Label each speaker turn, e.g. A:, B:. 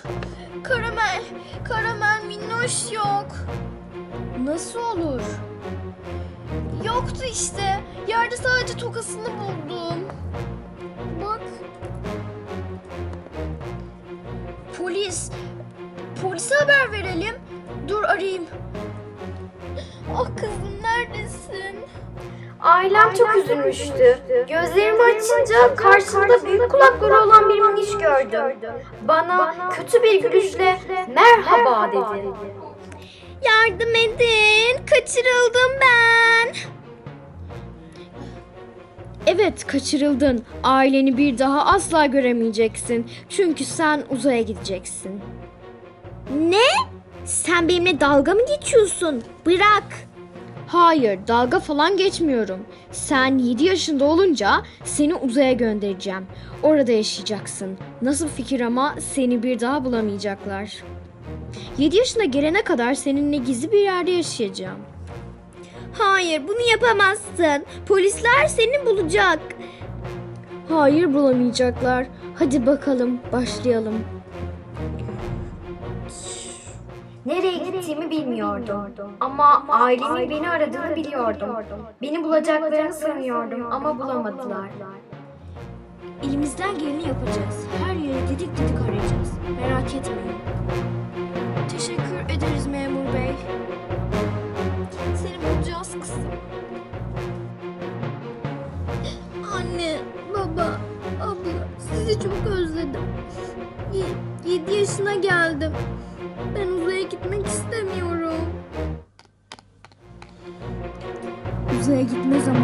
A: Karamel minnoş yok.
B: Nasıl olur?
A: Yoktu işte. Yerde sadece tokasını buldum. Bak. Polise haber verelim. Dur arayayım. Ah kızım neredesin?
C: Ailem çok üzülmüştü. Gözlerimi açınca karşımda büyük kulakları olan bir miniş gördüm. Bana kötü bir gülüşle merhaba dedi.
A: Yardım edin. Kaçırıldım ben.
B: Evet, kaçırıldın. Aileni bir daha asla göremeyeceksin. Çünkü sen uzaya gideceksin.
A: Ne? Sen benimle dalga mı geçiyorsun? Bırak.
B: Hayır, dalga falan geçmiyorum. Sen 7 yaşında olunca seni uzaya göndereceğim. Orada yaşayacaksın. Nasıl fikir ama seni bir daha bulamayacaklar. 7 yaşına gelene kadar seninle gizli bir yerde yaşayacağım.
A: Hayır bunu yapamazsın. Polisler seni bulacak.
B: Hayır, bulamayacaklar. Hadi bakalım, başlayalım.
C: Nereye gittiğimi bilmiyordum. Ama ailemin beni aradığını biliyordum. Beni bulacaklarını sanıyordum ama bulamadılar.
A: Elimizden geleni yapacağız. Her yeri didik didik arayacağız. Merak etmeyin. Teşekkür ederiz memur bey. Seni bulacağız kızım. Anne, baba, abla sizi çok özledim. 7 yaşına geldim. Ben uzaya gitmek istemiyorum.
B: Uzaya gitme zamanı.